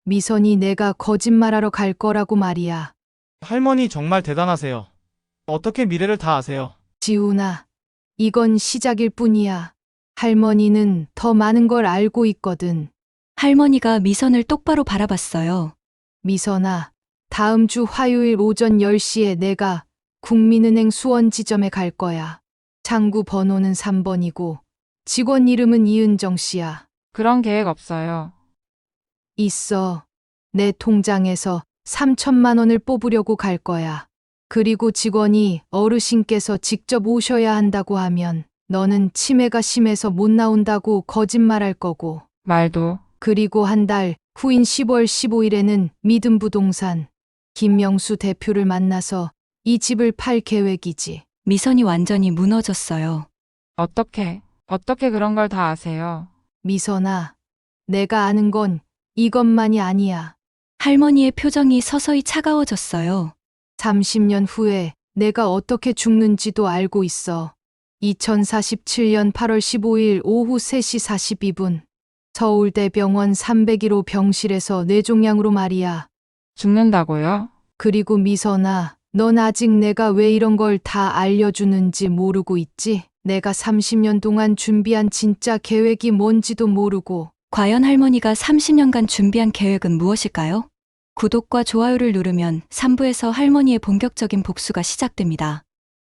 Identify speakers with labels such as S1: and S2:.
S1: 미선이 내가 거짓말하러 갈 거라고 말이야.
S2: 할머니 정말 대단하세요. 어떻게 미래를 다 아세요?
S1: 지훈아, 이건 시작일 뿐이야. 할머니는 더 많은 걸 알고 있거든.
S3: 할머니가 미선을 똑바로 바라봤어요.
S1: 미선아, 다음 주 화요일 오전 10시에 내가 국민은행 수원 지점에 갈 거야. 창구 번호는 3번이고 직원 이름은 이은정 씨야.
S4: 그런 계획 없어요.
S1: 있어. 내 통장에서 3천만 원을 뽑으려고 갈 거야. 그리고 직원이 어르신께서 직접 오셔야 한다고 하면 너는 치매가 심해서 못 나온다고 거짓말할 거고.
S4: 말도.
S1: 그리고 한 달 후인 10월 15일에는 믿음부동산 김명수 대표를 만나서 이 집을 팔 계획이지.
S3: 미선이 완전히 무너졌어요.
S4: 어떻게 그런 걸 다 아세요?
S1: 미선아, 내가 아는 건 이것만이 아니야.
S3: 할머니의 표정이 서서히 차가워졌어요.
S1: 30년 후에 내가 어떻게 죽는지도 알고 있어. 2047년 8월 15일 오후 3시 42분. 서울대병원 301호 병실에서 뇌종양으로 말이야.
S4: 죽는다고요?
S1: 그리고 미선아, 넌 아직 내가 왜 이런 걸 다 알려주는지 모르고 있지? 내가 30년 동안 준비한 진짜 계획이 뭔지도 모르고.
S3: 과연 할머니가 30년간 준비한 계획은 무엇일까요? 구독과 좋아요를 누르면 3부에서 할머니의 본격적인 복수가 시작됩니다.